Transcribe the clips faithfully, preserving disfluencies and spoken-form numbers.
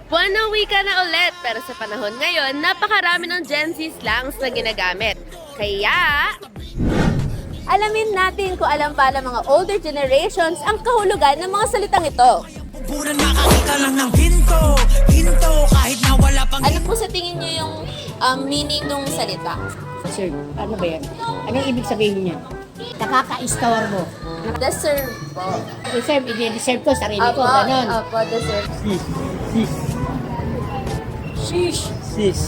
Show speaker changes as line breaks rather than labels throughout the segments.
Buwan ng wika na ulit, pero sa panahon ngayon, napakarami ng Gen Z slangs na ginagamit. Kaya, alamin natin kung alam ba ng mga older generations ang kahulugan ng mga salitang ito.
Punan makakita lang ng hinto, hinto kahit na wala pang
Ano po sa tingin niyo yung um, meaning ng salita?
Sir, ano ba yan? Anong ibig sabihin niya? Nakaka-istorbo.
Deserve po.
Deserve, i-deserve ko, sarili ko,
Apo,
ganon.
apo, deserve.
Sis. Sis.
Sheesh!
Sis.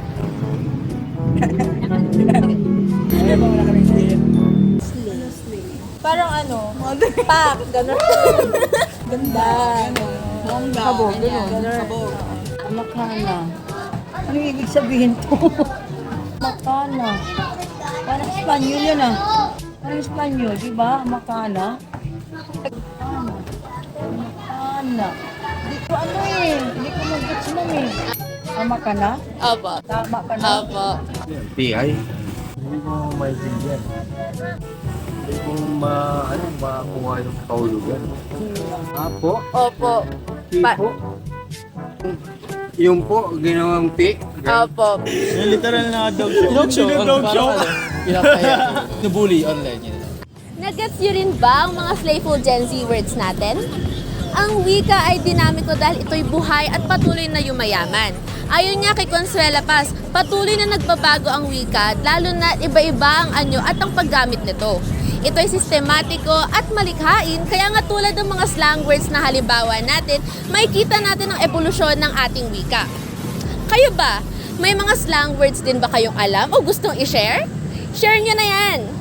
Ano ba wala kaming sis?
Parang ano, pak, gano'n. Ganda. Bongga. Kabog, gano'n. Kabog.
Makana. Anong ibig sabihin to? Makana. Parang Espanyol yun ah. Parang Espanyol, di ba? Makana. Makana. Makana. Hindi ko ano eh. Hindi ko mag-gets mo eh. Tama ka na?
Apo.
Tama ka na?
Apo.
P I? Hindi ko maintindihan. Hindi ko ma, ano, makuha yung kahulugan. Apo?
Opo.
P
Pa-
po? Yung po, ginawang P?
Opo.
Yung literal na dog show. Dog show? Dog show? Pinapaya. Nabully online yun.
Nagets nyo rin ba ang mga slayful Gen Z words natin? Ang wika ay dinamiko dahil ito'y buhay at patuloy na yumayaman. Ayon nga kay Consuela Paz, patuloy na nagbabago ang wika, lalo na iba-iba ang anyo at ang paggamit nito. Ito'y sistematiko at malikhain, kaya nga tulad ng mga slang words na halimbawa natin, makikita natin ang evolusyon ng ating wika. Kayo ba? May mga slang words din ba kayong alam o gustong i-share? Share nyo na yan!